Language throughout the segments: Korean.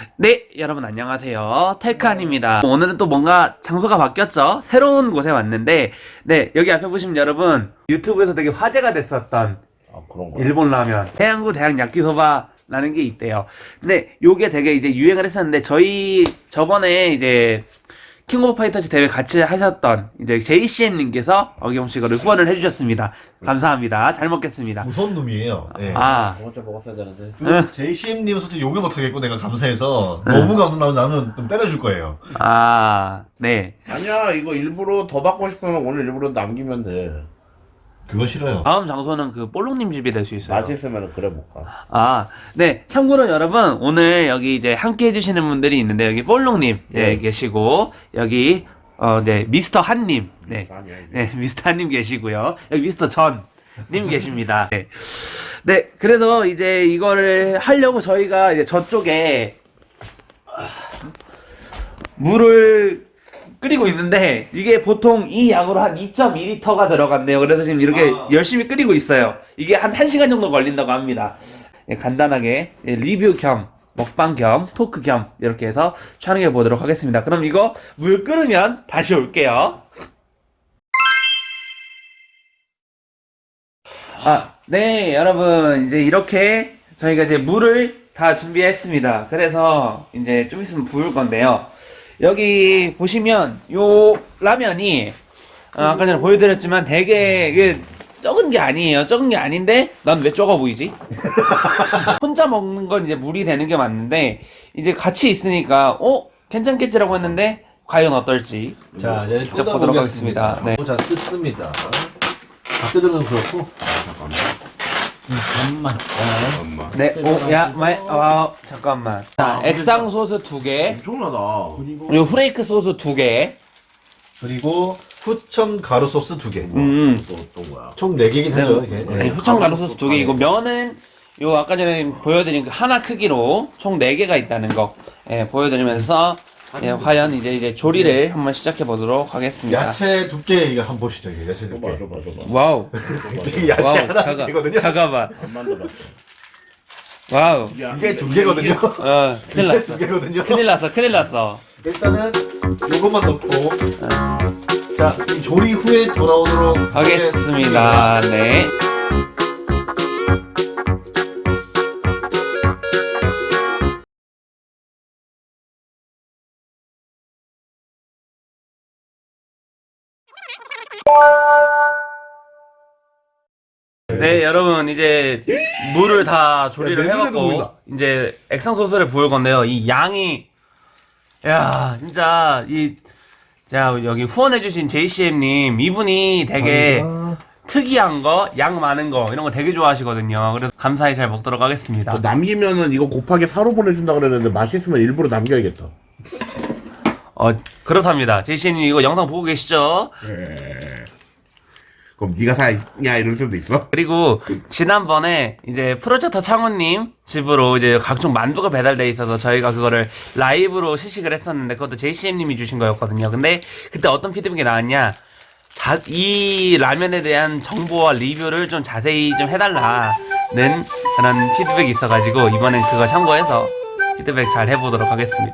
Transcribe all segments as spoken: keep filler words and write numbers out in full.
네, 여러분 안녕하세요. 테크안입니다. 오늘은 또 뭔가 장소가 바뀌었죠? 새로운 곳에 왔는데, 네, 여기 앞에 보시면 여러분 유튜브에서 되게 화제가 됐었던 아, 그런 거. 일본 라면, 해양구 대학 야끼소바라는 게 있대요. 근데 요게 되게 이제 유행을 했었는데, 저희 저번에 이제 킹 오브 파이터즈 대회 같이 하셨던 이제 제이씨엠님께서 어김없이 이거를 후원을 해주셨습니다. 감사합니다. 잘 먹겠습니다. 무서운 놈이에요. 예. 아, 저번 주에 먹었어야 되는데. 그 제이씨엠님은 솔직히 욕을 못하겠고 내가 감사해서 너무 감사하면 나는 좀 때려줄 거예요. 아, 네. 아니야, 이거 일부러 더 받고 싶으면 오늘 일부러 남기면 돼. 그거 싫어요. 다음 장소는 그 볼록님 집이 될 수 있어요. 맛있으면 그래 못 가. 아, 네. 참고로 여러분, 오늘 여기 이제 함께 해주시는 분들이 있는데, 여기 볼록님, 네, 네. 계시고, 여기, 어, 네, 미스터 한님, 네. 아니야, 이제. 네, 미스터 한님 계시고요. 여기 미스터 전님 계십니다. 네. 네, 그래서 이제 이거를 하려고 저희가 이제 저쪽에 물을 끓이고 있는데 이게 보통 이 양으로 한 이 점 이 리터가 들어간대요. 그래서 지금 이렇게 아. 열심히 끓이고 있어요. 이게 한 1시간 정도 걸린다고 합니다. 예, 간단하게 예, 리뷰 겸 먹방 겸 토크 겸 이렇게 해서 촬영해 보도록 하겠습니다. 그럼 이거 물 끓으면 다시 올게요. 아, 네, 여러분 이제 이렇게 저희가 이제 물을 다 준비했습니다. 그래서 이제 좀 있으면 부을 건데요. 여기 보시면 요 라면이 어, 아까 전에 보여드렸지만 되게 이게 적은 게 아니에요. 적은 게 아닌데 난 왜 적어 보이지? 혼자 먹는 건 이제 물이 되는 게 맞는데 이제 같이 있으니까 어? 괜찮겠지라고 했는데 과연 어떨지 자, 이제 직접 보도록 하겠습니다. 네. 자, 뜯습니다. 다 뜯으면 그렇고. 잠깐만. 엄마. 네, 오, 야, 마, 아, 잠깐만. 자, 액상 소스 두 개, 엄청나다. 그리고 후레이크 소스 두 개. 그리고 후첨 가루 소스 두 개. 음. 또, 또 뭐야? 총 네 개긴 하죠. 이게. 네, 예. 후청 가루 소스 두 개. 이거 면은 요 아까 전에 보여드린 그 하나 크기로 총 네 개가 있다는 거 예, 보여드리면서 예, 과연 이제 이제 조리를 한번 시작해 보도록 하겠습니다. 야채 두께 이거 한번 보시죠. 이게 야채 또 봐, 두께. 또 봐, 또 봐. 와우, 이게 야채 와우, 하나 잠깐, 두께거든요. 잠깐만, 안 만들었어. 와우, 야, 이게 두 개거든요. 어, 큰일 이게 났어, 두 개거든요. 큰일 났어, 큰일 났어. 일단은 요것만 넣고 자, 이 조리 후에 돌아오도록 하겠습니다. 네. 네, 여러분 이제 물을 다 조리를 야, 내 눈에도 해갖고 보인다. 이제 액상 소스를 부을 건데요. 이 양이 야 진짜 이 자 여기 후원해주신 제이씨엠님 이분이 되게 감사합니다. 특이한 거, 양 많은 거 이런 거 되게 좋아하시거든요. 그래서 감사히 잘 먹도록 하겠습니다. 너 남기면은 이거 곱하기 사로 보내준다 그랬는데 맛있으면 일부러 남겨야겠다. 어 그렇답니다. 제이씨엠님 이거 영상 보고 계시죠? 그럼 네가 사냐 이럴 수도 있어? 그리고 지난번에 이제 프로젝터 창훈님 집으로 이제 각종 만두가 배달돼 있어서 저희가 그거를 라이브로 시식을 했었는데 그것도 제이씨엠님이 주신 거였거든요. 근데 그때 어떤 피드백이 나왔냐? 자, 이 라면에 대한 정보와 리뷰를 좀 자세히 좀 해달라는 그런 피드백이 있어가지고 이번엔 그거 참고해서 피드백 잘 해보도록 하겠습니다.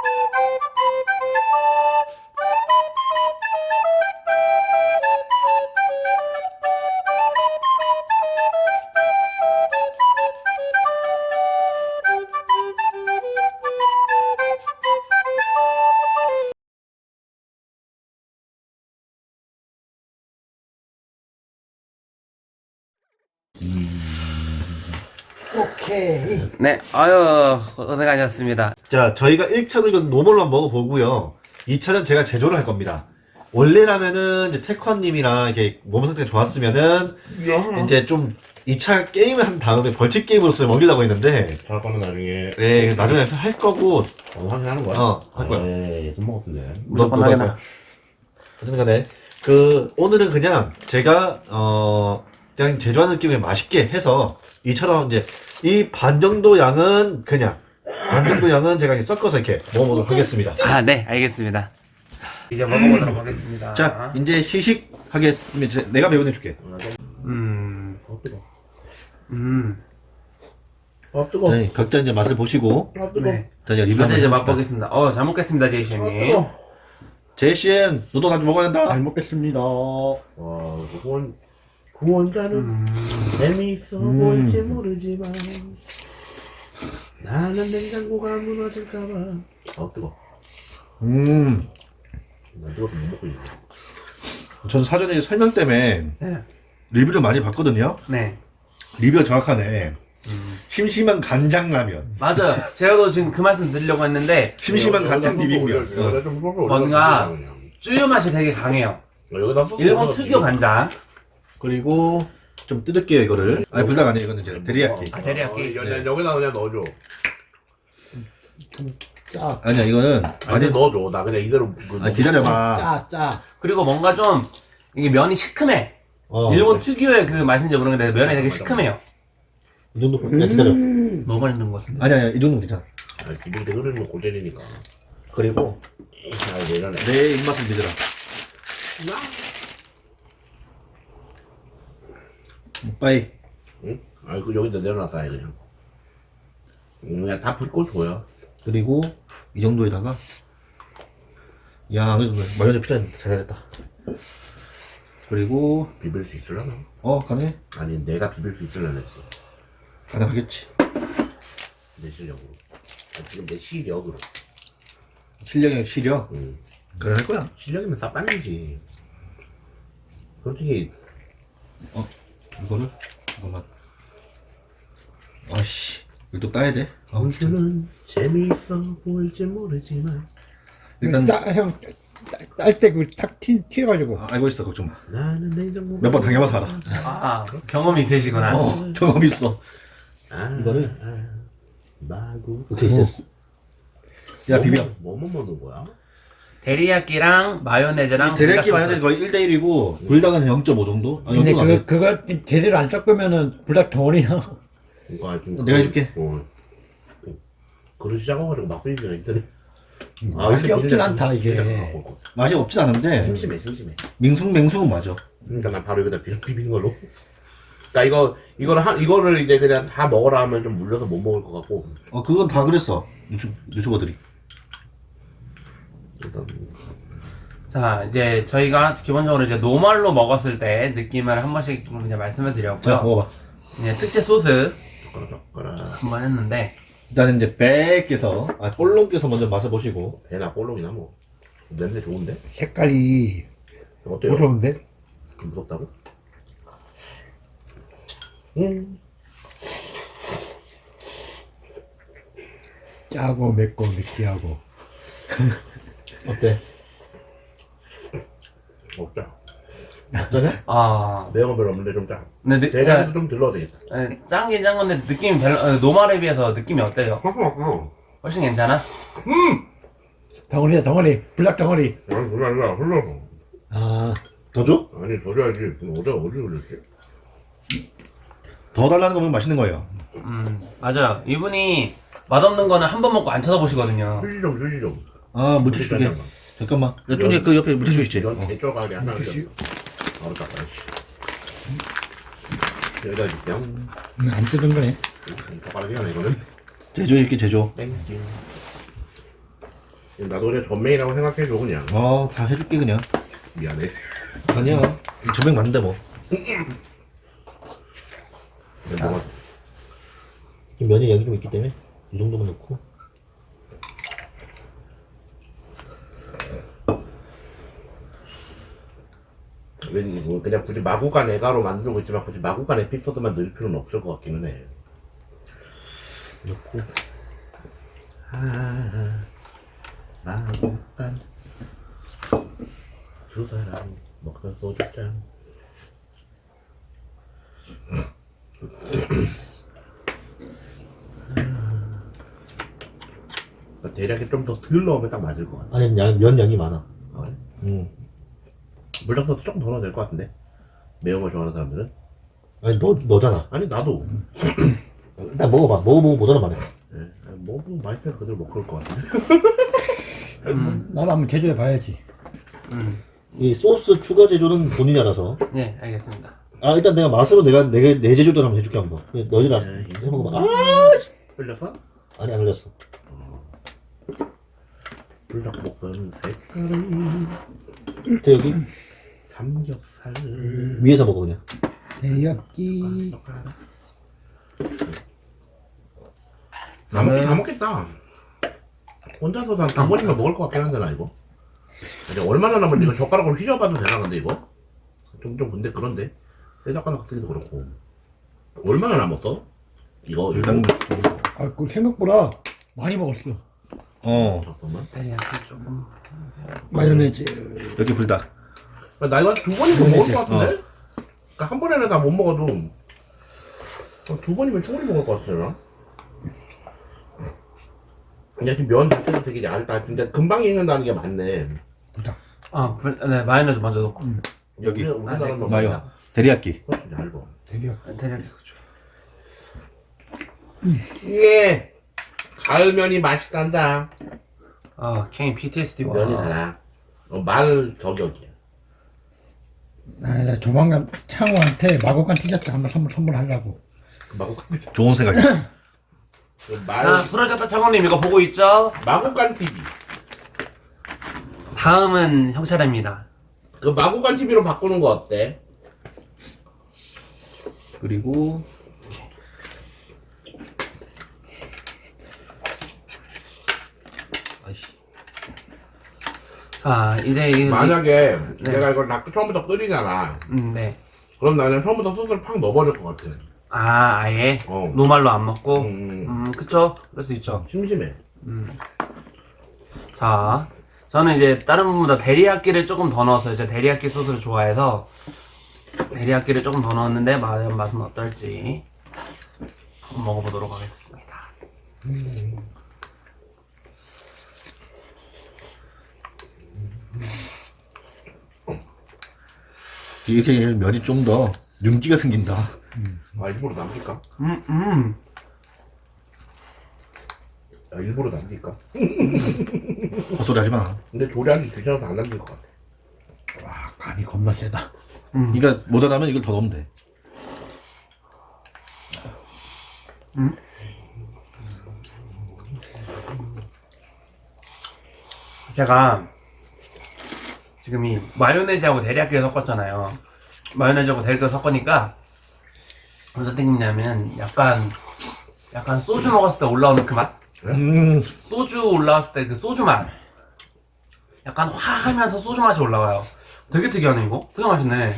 오케이. 네, 아유 고생하셨습니다. 자, 저희가 일 차는 이건 노멀로 한번 먹어보고요. 이 차는 제가 제조를 할 겁니다. 원래라면은 이제 태권님이랑 이렇게 몸 상태가 좋았으면은 이제 좀 이 차 게임을 한 다음에 벌칙 게임으로서 먹이려고 했는데 할 거는 나중에. 네, 나중에 할 거고 어, 확인하는 거야? 어, 할 거야. 에이, 좀 먹었는데. 무조건 너- 너 하겠나? 거야. 어쨌든 간에 그 오늘은 그냥 제가 어 그냥 제조하는 느낌에 맛있게 해서 이처럼 이제 이 반 정도 양은 그냥 반 정도 양은 제가 이렇게 섞어서 이렇게 먹어보도록 하겠습니다. 아, 네, 알겠습니다. 이제 먹어보도록 하겠습니다. 자, 이제 시식하겠습니다. 제- 내가 매운 애 줄게. 음, 어, 뜨거. 음, 아 뜨거. 자, 각자 이제 맛을 보시고 아 뜨거. 네. 자 이제 리뷰 먼저 한번 이제 해봅시다. 맛보겠습니다. 어, 잘 먹겠습니다, 아 제이씨님. 뜨거. 제이씨엔 너도 나도 먹어야 된다. 잘 먹겠습니다. 와 구원 구원자는 음. 재미있어 음. 보일지 모르지만 나는 냉장고가 무너질까봐. 아 뜨거. 음, 나 뜨거워서 못 먹고 있어. 전 사전에 설명 때문에 네. 리뷰를 많이 봤거든요. 네. 리뷰가 정확하네. 심심한 간장라면. 맞아요. 제가도 지금 그 말씀 드리려고 했는데, 심심한 간장 비빔면. 여기다 좀 소스 올려. 뭔가 쭈유 맛이 되게 강해요. 여기다 소스 일본 올려서 특유 간장. 그리고 좀 뜯을게요 이거를. 아니 불닭 아니에요 이거는 이제 데리야끼. 아, 데리야끼. 어, 여- 여기다 그냥 넣어줘. 짜, 아니야 이거는 아니 많이. 넣어줘. 나 그냥 이대로. 그 아 기다려봐. 짜, 짜. 그리고 뭔가 좀, 이게 면이 시큼해. 어, 일본 특유의 그 맛인지 모르겠는데, 면이 되게 시큼해요. 이 정도. 야 기다려. 너무 많이 넣은 것 같은데. 아니야 아니야 이 정도 괜찮아. 아, 기름때 흐르는 고젤이니까. 그리고 아, 왜 이러네. 내 입맛을 믿으라. 빠이. 응? 아, 그 여기다 내려놨어, 아예 그냥. 음, 그냥 다 붓고 줘요. 그리고 이 정도에다가 야 마요네즈 필요한데 잘했다. 그리고 비빌 수 있으려나? 어 가네. 아니, 내가 비빌 수 있으려나 했지. 가능하겠지. 내 실력으로. 아, 지금 내 시력으로. 실력이 시력. 응. 가능할 거야. 실력이면 싸빠이지. 솔직히, 어 이거를 이거만. 아씨 이거 또 따야 돼. 아, 공주는 재미있어 보일지 모르지만 일단 짜, 형, 딸 때 그 탁 튀어가지고. 아, 알고 있어 걱정 마. 나는 냉장고 몇 번 당해봐서 알아. 아, 경험이 있으시구나. 어 경험 있어. 아, 이거를? 아, 마구 오케이 됐어. 야 비벼. 뭐뭐 먹는 거야? 데리야끼랑 마요네즈랑 데리야끼 불닭 마요네즈 소스. 거의 일 대 일이고 불닭은 영 점 오 정도? 아, 근데 영점 그, 그거 제대로 안 섞으면은 불닭 덩어리나. 이거 좀 내가 해줄게. 어. 그릇이 작아가지고 막 비비면 있더니 맛이 이렇게 없진 비닐에 않다, 이게. 비닐에 갖고 올 거. 맛이 없진 않은데 심심해 심심해. 밍숭맹숭은 맞아. 그러니까 난 바로 여기다 비, 비비는 걸로. 그러니까 이거 이거를 한 이거를 이제 그냥 다 먹으라 하면 좀 물려서 못 먹을 것 같고. 어 그건 다 그랬어 유튜, 유튜버들이. 일단 자, 이제 저희가 기본적으로 이제 노말로 먹었을 때 느낌을 한 번씩 좀 이제 말씀을 자 드렸고요. 먹어봐. 이제 특제 소스 젓가락 젓가락 한 번 했는데, 일단은 이제 배께서 아 볼롱께서 먼저 맛을 보시고. 배나 볼록이나 뭐 냄새 좋은데? 색깔이 어때요? 무서운데? 그 무섭다고? 음. 짜고 맵고 느끼하고. 어때? 없자. 짜냐? 아, 매운 거 별로 없는데 좀 짜. 근데 느, 대략도 좀 들러도 되겠다. 에, 짠긴 짠 건데 느낌이 별로, 어, 노말에 비해서 느낌이 어때요? 음. 훨씬 괜찮아? 덩어리야, 덩어리. 불닭 덩어리. 아니 그게 아니라 흘러서. 아, 더 줘? 아니 더 줘야지. 그럼 어제 어디 흘렸지? 더 달라는 거면 맛있는 거예요. 음, 맞아요. 이분이 맛없는 거는 한 번 먹고 안 쳐다보시거든요. 휴지 좀 휴지 좀. 아 물티슈 두 개. 잠깐만. 야 쪽에 그 옆에 물티슈 있지? 이런 어. 개쩌가리 하나 물티슈? 바로 닦아. 여기다 줄게요. 음, 안 뜯은 거네. 젓가락이 하나 이거는. 제조 이렇게 제조. 땡큐. 나도 그냥 전매이라고 생각해줘 그냥. 어다 해줄게 그냥. 미안해. 아니야. 조백 맞는데 뭐. 근데 뭐가 면이 양이 좀 있기 때문에 이 정도만 넣고. 왠지 뭐 그냥 굳이 마구간 애가로 만들고 있지만 굳이 마구간 에피소드만 넣을 필요는 없을 것 같기는 해. 넣고. 아, 마구간 두 사람 먹던 소주잔. 아, 대략에 좀 더 덜 넣으면 딱 맞을 것 같아. 아니 양, 면 양이 많아. 아, 그래? 음. 물량소스 조금 더 넣어도 될 것 같은데? 매운 거 좋아하는 사람들은? 아니 너 너잖아. 아니 나도. 일단 먹어봐. 먹어보고 뭐잖아 말해. 예, 아니, 뭐, 뭐 맛있으니까 그대로 먹을 것 같은데? 음, 나도 한번 제조해 봐야지. 음, 이 소스 추가 제조는 본인이 알아서. 네, 알겠습니다. 아 일단 내가 맛으로 내가 내, 내 제주도를 한번 해줄게 한번. 너희들 알- 에이. 해먹어봐. 아 흘렸어? 아니 안 흘렸어. 불닭볶음 색깔은 저 여기 삼겹살. 위에서 먹어 그냥. 대엽기. 다 먹긴 다 먹겠다. 혼자서 한 두 번이면 먹을 것 같긴 한데 나 이거. 이제 얼마나 남았는데 이거 젓가락으로 휘저어봐도 되나 근데 이거? 좀 좀 근데 그런데 새 젓가락 쓰기도 그렇고. 얼마나 남았어? 이거 일단 이거? 아, 그 생각보다 많이 먹었어. 어 잠깐만. 테리야끼 조금. 마요네즈. 여기 불닭. 나 이거 한 두 번이면 먹을 것 같은데? 그러니까 한 번에는 다 못 먹어도 어, 두 번이면 충분히 먹을 것 같아요. 근데 지금 면 자체도 되게 얇다. 근데 금방 익는다는 게 맞네. 아, 불, 네, 마요네즈 먼저 넣고. 여기. 우리- 우리나라는 마요. 데리야끼. 훨씬 얇아. 대엽. 테리야끼 그죠. 예. 가을면이 맛있단다. 아, 캥이 피티에스디 와. 면이 달아. 어, 말 저격이야. 아, 나 조만간 창호한테 마곡간 티셔츠 한번 선물 선물하려고. 마곡간 좋은 생각이야. 그 말 아, 프로젝터 창호님 이거 보고 있죠? 마곡간 티비. 다음은 형 차례입니다. 그 마곡간 티비로 바꾸는 거 어때? 그리고 아이씨. 자, 이제 이 만약에 네. 내가 이걸 나 처음부터 끓이잖아. 음, 네. 그럼 나는 처음부터 소스를 팍 넣어버릴 것 같아. 아, 아예 어. 노말로 안 먹고. 음. 음, 그쵸? 그럴 수 있죠. 심심해. 자, 저는 이제 다른 분보다 데리야끼를 조금 더 넣었어요. 제가 데리야끼 소스를 좋아해서 데리야끼를 조금 더 넣었는데 과연 맛은 어떨지 한번 먹어보도록 하겠습니다. 이렇게 면이 좀 더 윤기가 생긴다. 아 일부러 남길까? 음, 음. 야, 일부러 남길까? 헛소리 하지 마. 근데 조리하기 귀찮아서 안 남길 것 같아. 와, 간이 겁나 세다. 그러니까 모자라면 이걸 더 넣으면 돼. 제가 지금 이 마요네즈하고 데리야끼를 섞었잖아요. 마요네즈하고 데리야끼를 섞으니까 어떤 느낌이냐면 약간 약간 소주 먹었을 때 올라오는 그 맛? 음. 소주 올라왔을 때 그 소주 맛. 약간 화하면서 소주 맛이 올라와요. 되게 특이하네 이거. 되게 맛있네.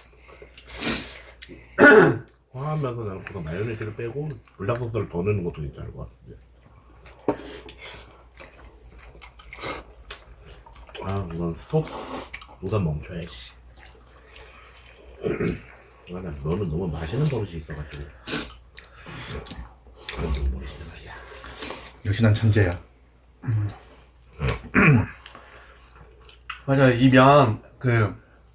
화하면서 나는 그거 마요네즈를 빼고 불닭소스를 더 넣는 것도 괜찮을 것 같은데. 아, 이건 스톱. 우선 멈춰야지. 아, 나 너는 너무 맛있는 버릇이 있어가지고. 그런 좀 버릇이야 말이야. 역시 난 천재야. 맞아요. 이 면 그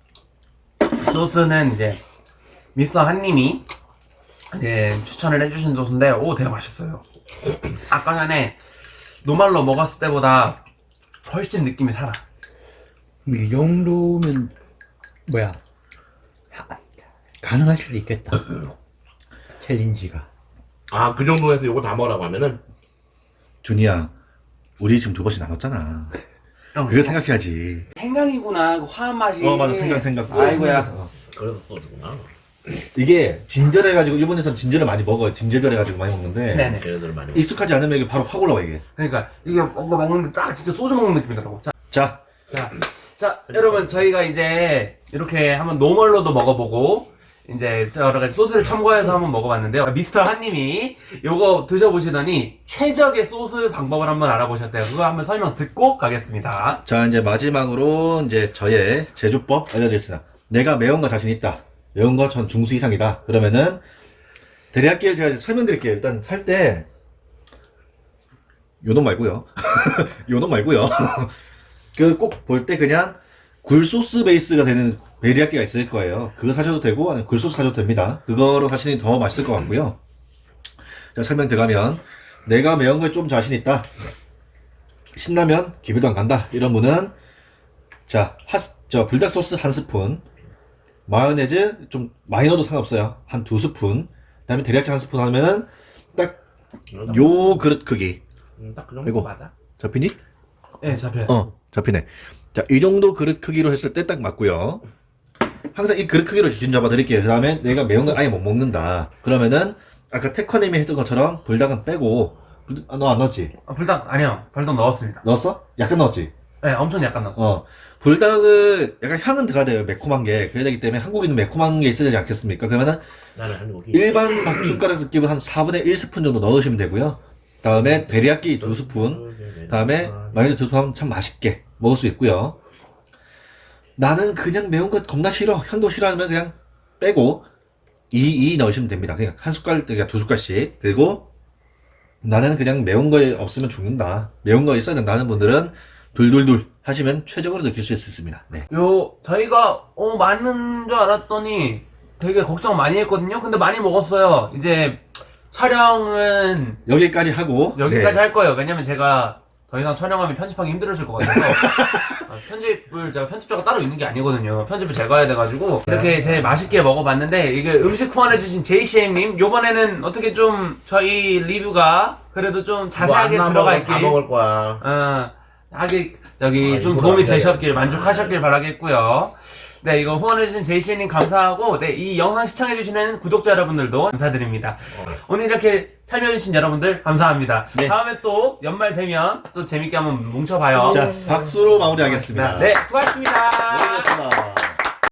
소스는 이제 미스터 한님이 이제 추천을 해주신 소스인데 오 되게 맛있어요. 아까 전에 노말로 먹었을 때보다 훨씬 느낌이 살아. 이 정도면 뭐야? 하- 가능할 수도 있겠다. 챌린지가. 아, 그 정도에서 이거 다 먹으라고 하면은 준이야, 우리 지금 두 번씩 나눴잖아. 형, 그거 생각해야지. 생강이구나. 그 화한 맛이. 어 맞아, 생각 생각. 아이고야. 어. 그래서 써주구나. 이게 진절해가지고 일본에서는 진절을 많이 먹어요. 진절해가지고 많이 먹는데 네네. 걔네들 많이 익숙하지 않으면 이게 바로 확 올라와 이게. 그러니까 이게 뭔가 먹는데 딱 진짜 소주 먹는 느낌이더라고. 자, 자, 자, 자, 여러분 저희가 이제 이렇게 한번 노멀로도 먹어보고 이제 여러 가지 소스를 첨가해서 한번 먹어봤는데요. 미스터 한님이 요거 드셔보시더니 최적의 소스 방법을 한번 알아보셨대요. 그거 한번 설명 듣고 가겠습니다. 자 이제 마지막으로 이제 저의 제조법 알려드리겠습니다. 내가 매운 거 자신 있다. 매운 거 전 중수 이상이다. 그러면은 데리야끼를 제가 설명드릴게요. 일단 살 때 요놈 말고요. 요놈 말고요. 그 꼭 볼 때 그냥 굴소스 베이스가 되는 데리야끼가 있을 거예요. 그거 사셔도 되고 아니면 굴소스 사셔도 됩니다. 그거로 사시니 더 맛있을 것 같고요. 자 설명 들어가면 내가 매운 걸 좀 자신 있다. 신라면 기회도 안 간다. 이런 분은 자, 핫, 저 불닭 소스 한 스푼, 마요네즈 좀 많이 넣어도 상관없어요. 한 두 스푼. 그다음에 데리야끼 한 스푼 하면 딱 요 그릇 크기. 음, 딱그 정도 아이고. 맞아. 잡히니? 네, 잡혀요. 어, 잡히네. 자, 이 정도 그릇 크기로 했을 때 딱 맞고요. 항상 이 그릇 크기로 기준 잡아 드릴게요. 그 다음에 내가 매운 걸 아예 못 먹는다. 그러면은 아까 태커님이 했던 것처럼 불닭은 빼고 아, 너 안 넣었지? 아, 불닭 아니요. 불닭 넣었습니다. 넣었어? 약간 넣었지? 네, 엄청 약간 넣었어요. 어. 불닭은 약간 향은 들어가야 돼요. 매콤한 게. 그래야 되기 때문에 한국인은 매콤한 게 있어야 되지 않겠습니까? 그러면은 나는 한국이. 일반 밥숟가락 느낌을 한 사분의 일 스푼 정도 넣으시면 되고요. 다음에 데리야끼 두 스푼, 다음에 마요네즈 두 스푼 하면 참 맛있게 먹을 수 있고요. 나는 그냥 매운 거 겁나 싫어. 향도 싫어하면 그냥 빼고 이, 이 넣으시면 됩니다. 그냥 한 숟갈, 그러니까 두 숟갈씩. 그리고 나는 그냥 매운 거 없으면 죽는다. 매운 거 있어야 된다 하는 분들은 둘둘둘 하시면 최적으로 느낄 수 있습니다. 네. 요 저희가 어 많은 줄 알았더니 되게 걱정 많이 했거든요. 근데 많이 먹었어요. 이제 촬영은 여기까지 하고 여기까지 네. 할 거예요. 왜냐면 제가 더 이상 촬영하면 편집하기 힘들어질 것 같아서 아, 편집을 제가 편집자가 따로 있는 게 아니거든요. 편집을 제가 해야 돼가지고 이렇게 제 맛있게 먹어봤는데 이게 음식 후원해주신 제이씨엠님 요번에는 어떻게 좀 저희 리뷰가 그래도 좀 자세하게 뭐 들어가 다 있길 먹을 거야. 어, 하기 저기 아, 좀 이거 도움이 안 돼. 되셨길 만족하셨길 바라겠고요. 네, 이거 후원해주신 제이씨님 감사하고, 네, 이 영상 시청해주시는 구독자 여러분들도 감사드립니다. 어. 오늘 이렇게 참여해주신 여러분들 감사합니다. 네. 다음에 또 연말 되면 또 재밌게 한번 뭉쳐봐요. 자, 박수로 마무리하겠습니다. 네, 수고하셨습니다. 고생하셨습니다.